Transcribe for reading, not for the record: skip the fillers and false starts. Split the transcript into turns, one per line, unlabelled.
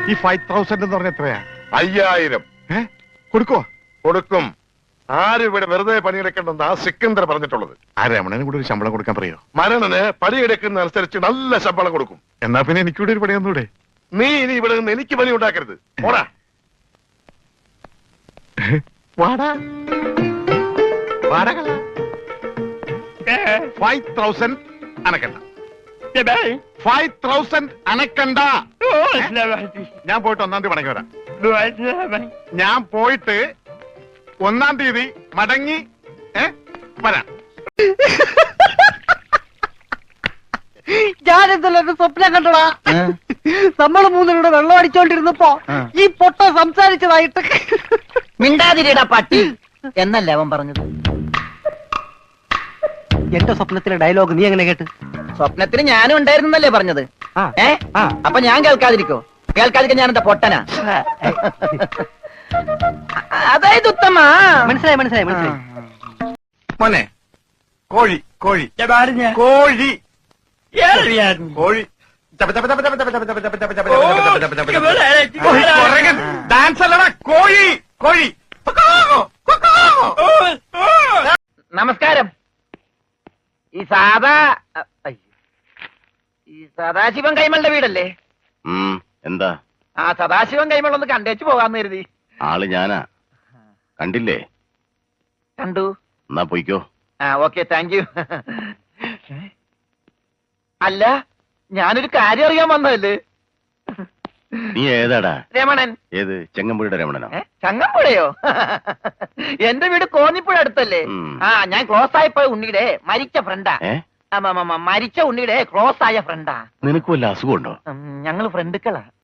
ഈ 5000 എന്ന് പറഞ്ഞ എത്രയാ?
5000.
കൊടുക്കോ?
കൊടുക്കും. ആരും ഇവിടെ വെറുതെ പണിയെടുക്കണ്ടെന്ന് ആ സിക്കന്ദർ പറഞ്ഞിട്ടുള്ളത്.
ആ രമണന് കൂടെ ഒരു ശമ്പളം കൊടുക്കാൻ പറയോ?
മരണന് പണിയെടുക്കുന്ന അനുസരിച്ച് നല്ല ശമ്പളം കൊടുക്കും.
എന്നാ പിന്നെ എനിക്കൂടെ ഒരു പണിയൊന്നൂടെ?
നീ ഇനി ഇവിടെ നിന്ന് എനിക്ക് പണി ഉണ്ടാക്കരുത്. പോടാ.
വാടാ. വാടക 5000 അനക്കണ്ട. 5000 അനക്കണ്ട. ഞാൻ പോയിട്ട് 1-ാം തീയതി മടങ്ങി വരാം. ഞാൻ പോയിട്ട് 1-ാം തീയതി മടങ്ങി വരാം.
ഞാനെന്തല്ലോ സ്വപ്നം കണ്ടടാ. നമ്മള് മൂന്നിലൂടെ വെള്ളം അടിച്ചോണ്ടിരുന്നപ്പോ ഈ പൊട്ട സംസാരിച്ചതായിട്ട്.
മിണ്ടാതിരിടാ പട്ടി എന്നല്ലേ അവൻ പറഞ്ഞത്.
എന്റെ സ്വപ്നത്തിലെ ഡയലോഗ് നീ എങ്ങനെ കേട്ട്?
സ്വപ്നത്തിന് ഞാനും ഉണ്ടായിരുന്നല്ലേ പറഞ്ഞത്. അപ്പൊ ഞാൻ കേൾക്കാതിരിക്കോ? കേൾക്കാതിരിക്കാൻ ഞാൻ എന്താ പൊട്ടനാ? അതായത് ഉത്തമ.
മനസ്സിലായി മനസ്സിലായി മനസ്സിലായി.
മോനെ കോഴി കോഴി കോഴി കോഴി ഡാൻസ് അല്ലടാ, കോഴി കോഴി.
നമസ്കാരം. ഈ സദാശിവൻ കൈമളുടെ വീടല്ലേ?
എന്താ?
ആ സദാശിവൻ കൈമൾ ഒന്ന് കണ്ടേച്ചു പോകാന്ന് കരുതി.
ആള് ഞാനാ. കണ്ടില്ലേ?
കണ്ടു.
എന്നാ പോയിക്കോ.
Okay, thank you. അല്ല, ഞാനൊരു കാര്യം അറിയാൻ വന്നതല്ലേ.
നീ ഏതാടാ?
രമണൻ.
ഏത്? ചെങ്ങമ്പുഴയുടെ രമണനോ?
ചങ്ങമ്പുഴയോ? എന്റെ വീട് കോന്നിപ്പുഴ അടുത്തല്ലേ. ഞാൻ ക്ലോസ് ആയപ്പോ ഉണ്ണിയുടെ മരിച്ച ഫ്രണ്ടാ. മരിച്ച ഉണ്ണിയുടെ ക്ലോസ് ആയ ഫ്രണ്ടാ.
നിനക്ക് വല്ല അസുഖമുണ്ടോ?
ഞങ്ങള് ഫ്രണ്ടുക്കളാ.